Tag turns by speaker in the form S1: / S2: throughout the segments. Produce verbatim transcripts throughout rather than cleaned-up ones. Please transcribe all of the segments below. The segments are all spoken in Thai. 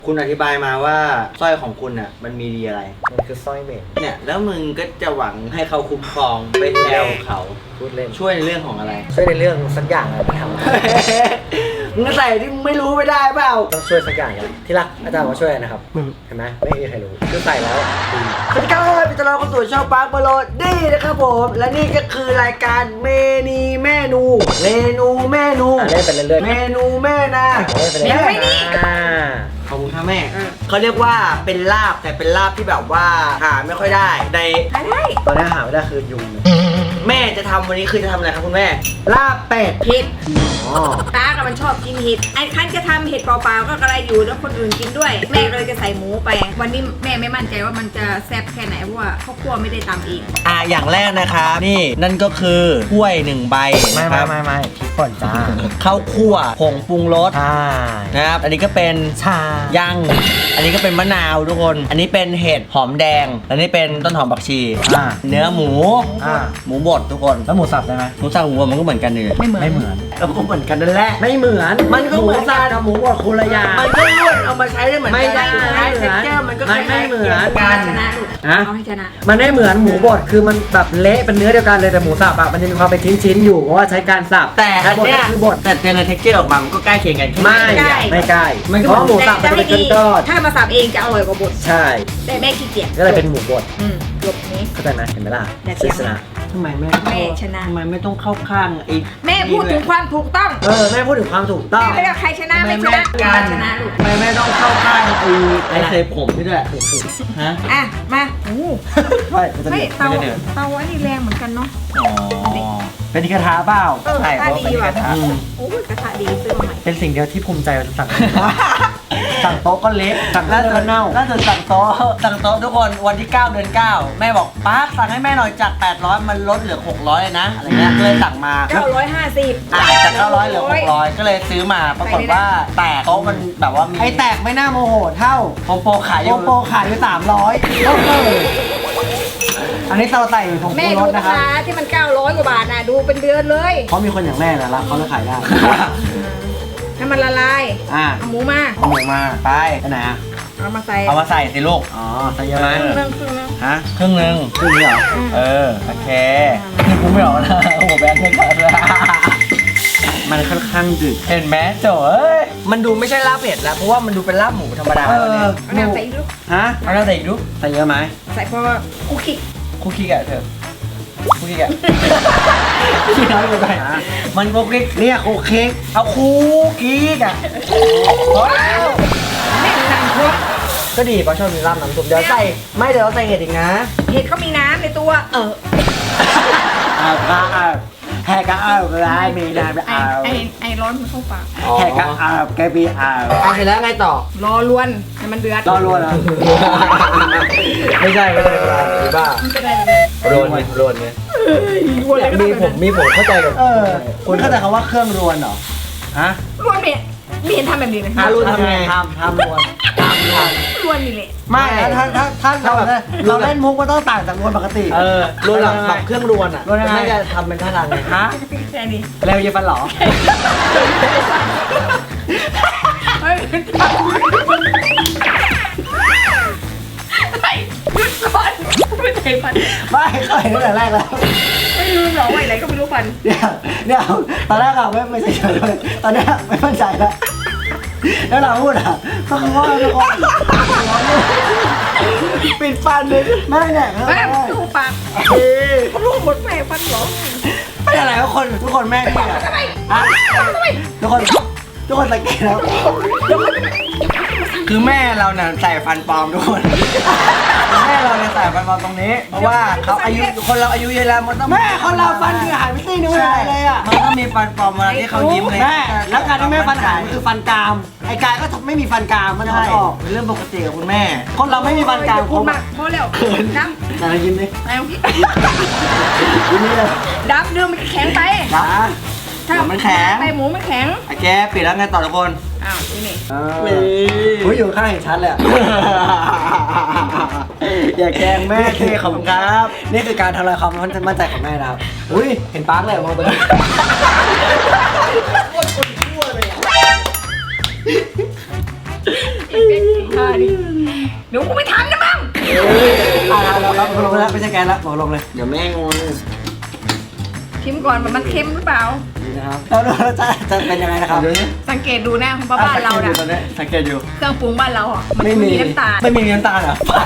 S1: คุณอธิบายมาว่าสร้อยของคุณอ่ะมันมีดีอะไร
S2: มันคือสร้อยเมด
S1: เนี่ยแล้วมึงก็จะหวังให้เขาคุ้มครองไปแซวเขา
S2: พูดเล่น
S1: ช่วยในเรื่องของอะไร
S2: ช่วยในเรื่องสักอย่างอะไรที่ทำได้
S1: มึงก็ใส่ที่มึงไม่รู้ไม่ได้เปล่า
S2: ต้องช่วยสักอย่างกันที่รักอาจารย์มาช่วยนะครับเห็นไหมไม่มีใครรู้คือใส่แล้วดี
S1: สวัสดีครับพี่ตลอดเข้าสู่ช่องปาร์คโบโลดี้นะครับผมและนี่ก็คือรายการเมนีเมนูเมนูเมนู
S2: อ่ะเล่นไปเรื่อยๆ
S1: เมนูแม่นา
S2: เล่นไปเรื่อยๆอ่า
S1: ขอบคุณค่ะแม่เขาเรียกว่าเป็นลาบแต่เป็นลาบที่แบบว่าหาไม่ค่อยได้ใน
S3: อะไร
S2: ตอนนี้หาไม่ได้คือยุง
S1: แม่จะทำวันนี้คือจะทำอะไรครับคุณแม่ลาบเป็ด
S3: เห็ด
S2: อ๋อ
S3: ตากับมันชอบกินเห็ดไอ้คันจะทำเห็ดเปล่าๆก็กระไรอยู่แล้วคนอื่นกินด้วย แม่ก็เลยจะใส่หมูไป วันนี้แม่ไม่มั่นใจว่ามันจะแซ่บแค่ไหนเพราะว่าข้าวคั่วไม่ได้ตำเอง
S1: อ่ะอย่างแรกนะครับนี่นั่นก็คือถ้วยหนึ่งใบ
S2: ไม่
S1: นะค
S2: ไม่
S1: รับ
S2: ไม่ไม่พริกป่นจ้า
S1: ข้าวคั่วผงปรุงรส
S2: ใช่
S1: นะครับอันนี้ก็เป็น
S2: ชา
S1: ยัง อันนี้ก็เป็นมะนาวทุกคน อันนี้เป็นเห็ดหอมแดง อันนี้เป็นต้นหอมผักชี
S2: อ่า
S1: เนื้อหมู
S2: อ่า
S1: หมูบดทุกคน
S2: แล้วหมูสับได้ไหม
S1: หมูสับหมูบดมันก็เหมือนกันเลย
S3: ไม่เหมือน
S2: ไม่เหมือน
S1: ก็เหมือนกันนั่นแหละ
S2: ไม่เหมือน
S1: มันก็เหมือน
S2: หสับกับหมูบดคนละอย่าง
S1: มันก็ล้วนเอามาใช้ได้เหมือนกั
S2: ไม่ได้
S1: ใช้เท็กเจอร์มันก็
S2: ไม่ไม่เหมือน
S1: กัน
S3: ชนะลูก
S2: ฮะ
S3: เอาให้ชนะ
S2: มันไม่เหมือนหมูบดคือมันแบบเละเป็นเนื้อเดียวกันเลยแต่หมูสับอะมันจะมีความเป็นชิ้นๆอยู่เพราะว่าใช้การสับ
S1: แต่อัน
S2: บด
S1: เนี้ย
S2: ก็คือบด
S1: แต่ในเท็กเจอร์ออกมามันก็ใกล้เคียงกัน
S2: ไม่
S3: ใกล้
S2: ไม่ใกล้
S1: มันก็
S2: เพราะหมูสับมันจะเป็นก้อน
S3: ถ้ามาสับเองจะอร่อยกว่าบด
S2: ๆใช่
S3: แต่แม่ขี้เกียจ
S2: ก็เลยเป็นหมูบด
S3: อืมจบนี้
S2: เข้าใจไหมเห็นไหมล่ะ
S3: แต่เถียง
S2: ชนะ
S1: ทำไมแม่
S3: แม่ชนะ
S1: ทำไมไม่ต้องเข้าข้างไอ้
S3: แม่พูดถึงความถูกต้อง
S2: เออแม่พูดถึงความถูกต้อง
S3: แม่ไม่ได้ใครชนะไม่ชนะ
S1: กั
S3: แม่
S1: น
S3: ชนะลูก
S1: ทำไมแม่ต้องเข้าข้างไอ้ไอ้เคยผมนี่ด้วยฮะ
S3: อ่ะมาโอ้
S2: ใช่มันจะ
S3: ไม่
S2: เดือด
S3: เตา
S1: ไม่ได้เดือด
S3: เตาอันนี้แรงเหมือนกันเนาะ
S1: อ๋อ
S2: เป็นกระทะเปล่า
S3: เออกระทะดีว่ะ
S1: อืม
S3: โอ้ยกระทะดีซื้อมาใหม่
S2: เป็นสิ่งเดียวที่ภูมิใจเราสั่ง สั่งโต๊ะก็เละสั่ง
S1: ล่า
S2: เนื้
S1: สุ
S2: อ
S1: ด
S2: เน่า
S1: ล่าสุดสั่งโต๊ะสั่งโต๊ะทุกคนวันที่เก้าเดือนเก้าแม่บอกป้าสั่งให้แม่หน่อยจากแปดร้อยมันลดเหลือหกร้อยเลยนะอะไรเงี้ยก็เลยสั่งมา
S3: เก้าร้อยห้าสิบ
S1: อ่าจากเก้าร้อยเหลือหกร้อยก็เลยซื้อมาปรากฏว่าแตกโต๊ะมันแบบว่ามี
S2: ไอแตกไม่น่าโมโหเท่า
S1: โปรโปรขายอ
S2: โป
S1: ยู่
S2: โปขายอยู่สามร้อยอันนี้เราใส่ผง
S3: แม่
S2: ปรุงร
S3: ดู
S2: ส
S3: รา
S2: นะครับ
S3: คาที่มันเก้าร้อยกว่าบาทนะดูเป็นเดือนเลย
S2: เพราะมีคนอย่างแม่นะรับเขาจะขายได้
S3: ให้มันละลาย
S1: อ่า
S3: เอาหมูมา
S1: เอาหมูมาไป
S2: ไปไหนอ่ะ
S3: เอามาใส่
S1: เอามาใส่สิลูก
S2: อ๋อใส่เยอะไหม
S3: ครึ่งนึงครึ่งนึง
S1: ฮะครึ่งหนึ่ง
S2: ครึ่งนี้เหรอ
S1: เออโอเคนี่กูไม่ออกนะโอ้โหแบงค์แค่กันเลย
S2: มันค่อนข้างดึก
S1: เห็นไหมโจ้เอ้ยมันดูไม่ใช่ลาบเผ็ดแล้วเพราะว่ามันดูเป็นลาบหมูธรรมดา
S2: เอ
S1: แล้วเนี่ย
S2: อ
S3: เอาน้ำใส่อีกลูก
S2: ฮะ
S1: เอาแล้วใส่อีกดู
S2: ใส่เยอะไหม
S3: ใส่พอคุกคิก
S1: คุกกี้แกะเถอะคุกกี้แกะ
S2: ขี้น้อยไปไหม
S1: มันคุกกี้
S2: เนี่ยโคเค้ก
S1: เอาคุกกี้แกะพอแล้ว
S3: แม่สั่งพวก
S2: ก็ดีป้าชอบมีราบน้ำซุปเดี๋ยวใส่ไม่เดี๋ยวเราใส่เห็ดอีกนะ
S3: เห็ดเขามีน้ำในตัว เออ
S2: อ่าก็อ่าแฮก็อ่าร้ายมีน้ำ
S3: ไอ
S2: อ่า
S3: ไอไอร้อนมันเข้าปาก
S2: แฮก็อ่าแกบีอ่า
S1: อ่ะเสร็จแล้วไงต่อ
S3: รอลวนให้มันเดือด
S2: รอรัวนะไม่ใช่ไม่ใช่หรือบ้า
S3: มันจะได้เลย
S1: โรนเนี่ยโรนเนี่ย
S3: ลวนเลยก็
S2: มี
S3: ได้
S2: ผมมีผมเข้าใจกับเออคุณเข้าใจคำว่าเครื่องรวนเหรอฮะ
S3: ลวนเนี่ยไม่เห็นทำแบบนี้เลย
S2: ถ้ารวนทำไงทำทำรวนทำรวน
S3: ลวนนี่แหละ
S2: ไม่ถ้าถ้าถ้าเราเราเล่นมุกมันต้องต่างจากรวนปกติ
S1: เออรวนหลังแบบเครื่องรวนอ่ะ
S2: รวนยังไง
S1: ไม่จะทำเป็นท่าทางไง
S2: ฮะ
S3: แค่นี้
S2: เร็วเยฟันหรอ
S3: เฮ้ยหยุดก่อนไม่ใช่ฟัน
S2: ไม่เคยตั้งแต่แรกแล้ว
S3: ไม่รู้หรอว่าอะไรก็ไม่รู้ฟัน
S2: เดี๋ยวเดี๋ยวตอนแรกอะไม่ไม่ใช่เฉยเลยตอนเนี้ยไม่มั่นใจแล้วแล้วเราพูดอะก็คือว่าทุกคนปิดฟันเลยไม่เนี่ย
S3: แม่ดูปากลูกหมดแม่ฟันหรอ
S2: ไม่อะไรทุกคนทุกคนแม่พี่อะ
S3: ทำไม
S2: ฮะ
S3: ทำไม
S2: ทุกคนทุกคนสังเกตแล้ว
S1: คือแม่เราเนี่ยใส่ฟันปลอมทุกคนแม่เราเนี่ยใส่ฟันปลอมตรงนี้ เพราะว่าเขาอายุคนเราอายุเยอะแล้วมันต้อง
S2: แม่คนเราฟันคือหายไปซี่นึงไม่หายเลยอะ
S1: มันต้องมีฟันปลอมเวลาที่เขายิ้มเลย
S2: แม่แล้วการที่แม่ฟันหายมันคือฟันกรามไอ้กายก็ไม่มีฟันกรามมันจะ
S1: ใช่
S2: ออก
S1: เป็นเรื่องปกติกับคุณแม่
S2: คนเราไม่มีฟันกราม
S3: พูดมากพอแล้วน้ำ
S2: แต่เรายิ้มดิ
S3: แล้ว
S2: ยิ้มนี่เลย
S3: ดำเนื้อมันแข็งไป
S2: นะ
S3: ถ้า
S1: มันแข็ง
S3: ไปหมูมันแข็ง
S1: ไอ้แกปิดแล้วไงต่อทุกคน
S3: อ้าวนี่นี่
S2: เออผมอยู่ข้างเห็นชัดเลยอะ อย่าแกล้งแม่
S1: โอเคขอบคุณครับ
S2: นี่คือการทำลายความมั่นใจของแม่นะครับ อุ้ย เห็นปาร์คเลยมองไปเลย
S3: ดิเดี๋ยวกูไม่ทำนะมึง
S2: อ่าเราเราลงแล้วไม่ใช่แกนแล้วบอกลงเลย
S1: เดี๋ยวแม่งง
S3: ชิมก่อนว่ามันเค็มหรือเปล่า
S2: นี่นะครับแล้วเราจะจะเป็นยังไงนะครับ
S3: สังเกตดูนะของบ้านเรา
S2: อ่ะ
S3: น่ะ
S2: ตอนนี้สังเกตอยู่
S3: เครื่องปรุงบ้านเราอ่ะมัน
S2: ไม่มี
S3: มีน้ำตาล
S2: ไม่มีน้ำตาลเหรอฝัน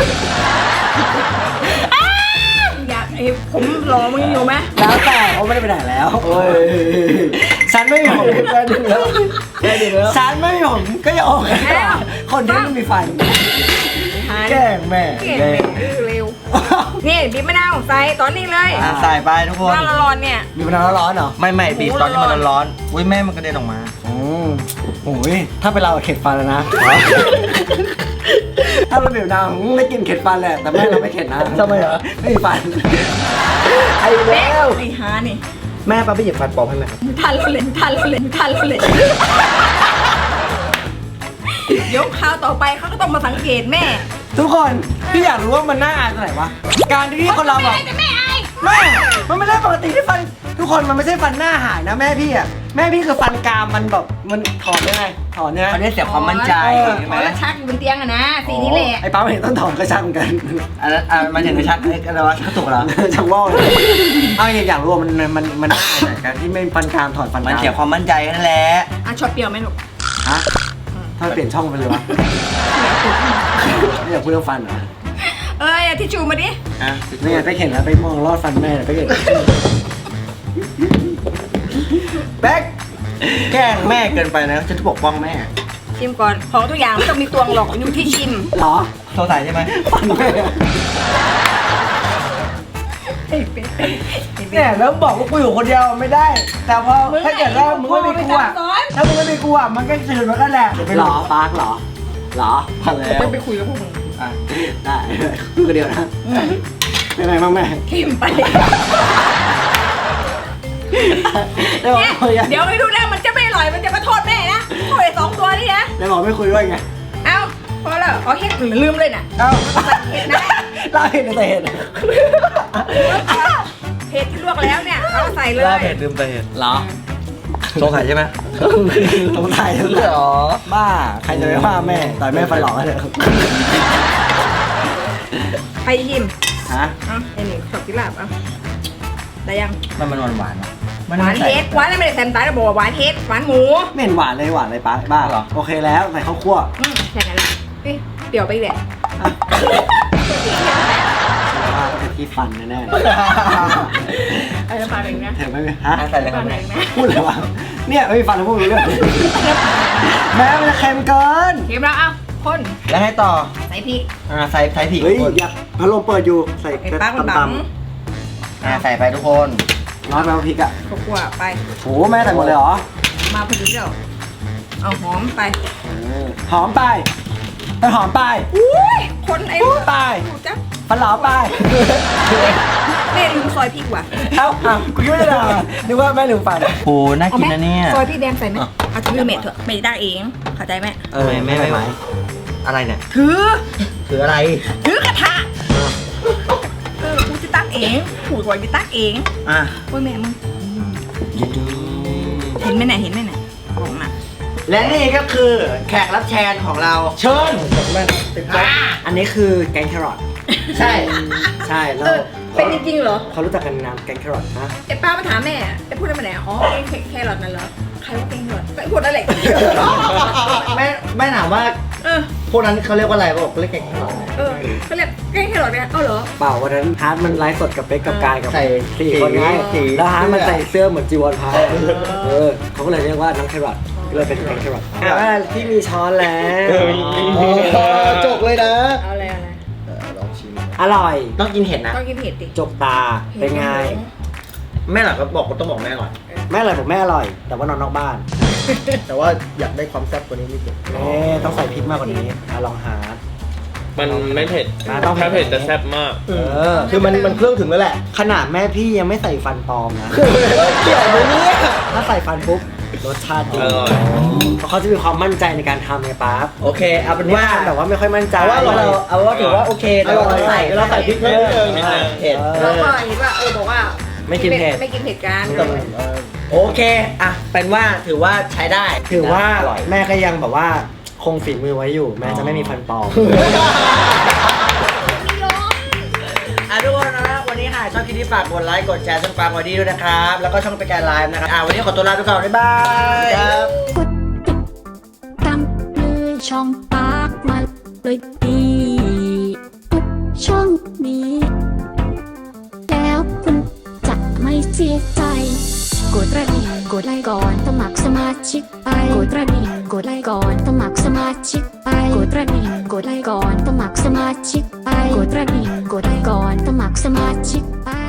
S3: อยากไอ้ผมรอมึงอยู่ไหม
S2: แล้วแต่เขาไม่ได้ไปไหนแล้วโอ้ยฉันไม่มีผมแค่ดึงแล้วแค่ดึงแล้วฉันไม่มีผมก็อย่าออกคนที่ไม่มีฟันแกล้งแม่
S3: เก่งเลยเร็วนี่บีบมะนาวใส่ตอนนี้เลย
S4: อ่ะใส่ไปทุกคน
S3: น้ำร้อนๆเนี่ย
S2: มีมะนาวร้อนเหรอ
S4: ไม่ไม่บีบตอนที่มันร้อนๆอุ้ยแม่มันกระเด็นออกมา
S2: อืมโอ้ยถ้าเป็นเราเข็ดฟันแล้วนะ ถ้าเราบีบมะนาวไม่กินเข็ดฟันแหละแต่แม่เราไม่เข็ดนะทำไมเหรอไม่มีฟันไอ้
S3: เบ๊
S2: แล้ว
S3: ไอ้ฮานี่
S4: แม่ป้าไปหยิบฟันปลอมให้ไหมครับ
S3: ทันเราเล่นทันเราเล่นทันเราเล่นเดี๋ยวคราวต่อไปเขาก็ต้องมาสังเกตแม่
S2: ทุกคนพี่อยากรู้ว่ามันน่าอายตรงไหนวะการที่คนเราแบบ
S3: แต่แม่อาย
S2: แม่มันไม่ได้ปกติที่ฟันทุกคนมันไม่ใช่ฟันหน้าหายนะแม่พี่อ่ะแม่พี่คือฟันกรามมันแบบมันถอนได้ไงถอนเนี่ย
S4: อันนี้เสียความมั่นใจ
S3: ข
S4: ใช่ไห
S3: อ
S4: ม
S3: แล้วชักอยู่บนเตียงอะนะสีนี้แหละ
S2: ไอ้ป้าไม่เห็นต้องถอนก็ช่างกัน
S4: อันนั้นอ่ะมันถึงจะชักเล็กอะไรวะชักตุกเหรอ
S2: ช่างว่าเลยเอาอยากรู้ว่ามันมันมันน่าอายไหนกันที่ไม่ฟันกรามถอนฟันก
S4: มัน
S2: ราม
S4: เสียความมั่นใจนั่นแหละ
S3: อ่ะชอบเปรี้ยวไหมลูก
S2: ฮะถ้าเปลี่ยนช่องไปเลยวะไม่อยากพูดเรื่องฟันเหรอ
S3: เอ้ยเอาทิชชู่มาดิ
S4: อ่ะ
S2: ไม่อยากไปเห็นแล้วไปมองลอดฟันแม่ไปเห็นแบ๊ก
S4: แกล้งแม่เกินไปนะฉันจะปกป้องแม่
S3: ชิมก่อนของทุกอย่างไม่ต้องมีตวงหรอกอยู่ที่ชิม
S2: เหรอ
S4: สงสัยใช่ไหม
S2: ฟันแม่เนี่ยแล้วบอกว่ากูอยู่คนเดียวไม่ได้ แต่พอถ้าเกิดว่ามึงไม่มีกูอ่ะถ้ามึงไม่มีกูอ่ะมันก็สื่อมันก็แหละหรอปาร์คหรอหรอพอแล้ว
S3: จะไปคุยกับพวกมึง
S4: อ่ะ
S2: ได้คุยกันเดียวนะเป็นไงบ้างแม่
S3: เค็มไป
S2: ได้บอก
S3: เนี่ย
S2: คุยกัน
S3: เดี๋ยวไปดูนะมันจะไม่อร่อยมันจะมาโทษแม่นะโทษไอ้สองตัวนี่นะ
S2: ได้บอกไม่คุยด้วยไง
S3: เอ้าพอแล้วเอาเฮ็ดลืมเลยน่ะ
S2: เอ้า
S3: เห็ดนะ
S2: เล่าเห็นแต่เห็น
S3: เห็ดที่ลวกแล้วเนี่ยเอาใส่เลย
S4: ลาบเผ็ดลืมไปเห็ด
S2: เหรอ
S4: สงสัยใช่ไหม
S2: ตรงไทย
S4: เหรอ
S2: บ้าใครจะไปว่าแม่ต่อยแม่ฟันหลอกกันเถอะ
S3: ไปชิม
S2: ฮะ
S3: เอ้าไอ้นี่ชอบกินลาบเอ้าได้ยัง
S4: มันมันหวานๆนะ
S3: หวานเฮ็ดหวานแล้วไม่ได้แซมตายแล้วบอกว่าหวานเฮ็ดหวานหมู
S2: ไม่เห็นหวานเลยหวานเลยป้าบ้าเหรอโอเคแล้วใส่ข้าวคั่ว
S3: อืมแค่นั้นแหละเฮ้ยเดี๋ยวไปอีกแหละ
S2: ว่าต้องเป็นที่ฟันแน่
S3: ไอ้น้ำปลาเองนะ
S2: ๆเธอไม่ฮะ
S4: อ่ะใส่เลยครับ
S3: น้ำปลา
S4: แม่
S3: เองนะ
S2: พูดเลยวะเนี่ยไม่มีฟันแล้วพูดรู้เรื่องแม่มันจะเค็มเกิน
S3: เค็มแล้วเอ้าคน
S4: แล้วให้ต่อ
S3: ใส่พริก
S4: อ่าใส่ใส่ผี
S2: เฮ้ย
S4: ทุกคน
S2: อยากพัดลมเปิดอยู่ใส่
S3: ไอ้ปลาคนบัง
S4: อ่าใส่ไปทุกคน
S2: ร้อนไปพริกอ่ะ
S3: ขวบไป
S2: โหแม่ใส่หมดเลยเหรอ
S3: มาพอดีเดี๋ยวเอาหอมไป
S2: เออหอมไปไปหอมไป
S3: อุ้ยคนไอ้
S2: พูดไป
S3: ดูจ้ะ
S2: ฟันหลอไป
S3: แม่ลืมซอยพริกว่ะ
S2: เอ้าอ่ะกูคิดว่าจะด่านึกว่าแม่ลืมฟัน
S4: โหน่ากินนะเนี่ย
S3: ซอยพริกแดงใส่ไหมเอาถือเม็ดเถอะไม่ได้เองเข้าใจไหม
S4: เออไม่ไม่ไหวอะไรเนี่ย
S3: ถือ
S4: ถืออะไร
S3: ถือกระทะเออกูจะตักเองผูดก่อนจะตักเอง
S4: อ่ะ
S3: โอ้ยแม่มึง
S4: ยินดี
S3: เห็นไหมน่ะเห็นไหมน่ะของน่ะ
S4: และนี่ก็คือแขกรับเชิญของเรา เชิญ
S2: อันนี้คือแกงแครอท
S4: ใช่
S2: ใช่แล้
S3: เอ
S2: ว
S3: อเป็นจริงๆเหรอ
S2: เขารู้จักกันนามแกงแครอทนะ
S3: ไอ้ป้ามาถามแม่ไอ้พูดอะไรมาไหนอ๋อไอ้แครอทนั่นเหรอใครว่าแกงแครอทไอ้พูดอะไร
S4: แม่แม่ถามว่า
S3: เออ
S4: พวกนั้นเขาเรียกว่าอะไรบอกเรียกแกงหรอ
S3: เออเขาเรียกแกงแครอทเนี่ยเอาเหรอ
S2: เปล่าวันนั้นฮาร์ดมันไลฟ์สดกับเป๊กกับกายกับ
S4: ใส่
S2: สี่คนไง
S4: สี
S2: แล้วฮาร์ดมันใส่เสื้อเหมือนจีวรพระเออเขาก็เลยเรียกว่าน้องแครอทก็เลยเป็นแกงแครอทอ่าที่มีช้อนแล้ว
S4: จกเลยนะ
S3: เอาอะไรเอาอะไร
S4: ลองชิม
S2: อร่อย
S4: ต้องกินเห็ดนะ
S3: ต้องกินเผ็ดดิ
S2: จกตาเป็นไง
S4: แม่หลักก็บอกก็ต้องบอกแม่ก่อน
S2: แม่อร่อยผมแม่อร่อย แต่ว่านอนนอกบ้าน
S4: แต่ว่าอยากได้ความแซ่บกว่านี้นิดนึง
S2: เอ๊ะต้องใส่พริกมากกว่านี้อ่ะลองหา
S5: มันไม่เผ็ด
S2: อ่าต้องเผ็ด
S5: ถ้าเผ็ดจะแซ่บมาก
S2: เออ
S4: คือมันมันเครื่องถึงแล้วแหละ
S2: ขนาดแม่พี่ยังไม่ใส่ฟันปลอมนะ
S4: เกี่ยวไหมเนี่ย
S2: ถ้าใส่ฟันปุ๊บรสชาติดี
S5: อร่อย
S2: เพราะเขาจะมีความมั่นใจในการทำไงป๊าบ
S4: โอเคเอาเป็น
S2: นี่
S4: ว่า
S2: ทำแบบว่าไม่ค่อยมั่นใจ
S4: เอาว่าเราเอาว่าถือว่าโอเคแต่เราใส่เราใส่พริกเพิ่มนิดนึง
S5: นิดนึง
S4: เผ็ด
S3: เราก็เห็นว่าเออบอกว่า
S2: ไม่กินเผ็ด
S3: ไม่กินเผ็ดกัน
S4: โอเคอ่ะเป็นว่าถือว่าใช้ได้
S2: ถือว่า
S4: อร่อย
S2: แม่ก็ยังแบบว่าคงฝีมือไว้อยู่ แม้จะไม่มีฟันปลอม
S1: อ่ะทุกคนนะวันนี้หากชอบคลิปนี้ฝากกดไลค์กดแชร์ช่องปางวอดี้ด้วยนะครับ แล้วก็ช่องไปแกนไลฟ์นะครับอ่ะวันนี้ขอตัวลาไปก่อนบ๊ายบายครับ
S6: กดติดตามเลยช่องปากมาเลยดีทุกช่องนี้ แล้วคุณจะไม่เสียใจกดกระดิ่งกดไลค์ก่อนสมัครสมาชิกไปกดกระดิ่งกดไลค์ก่อนสมัครสมาชิกไปกดกระดิ่งกดไลค์ก่อนสมัครสมาชิกไปกดกระดิ่งกดไลค์ก่อนสมัครสมาชิกไป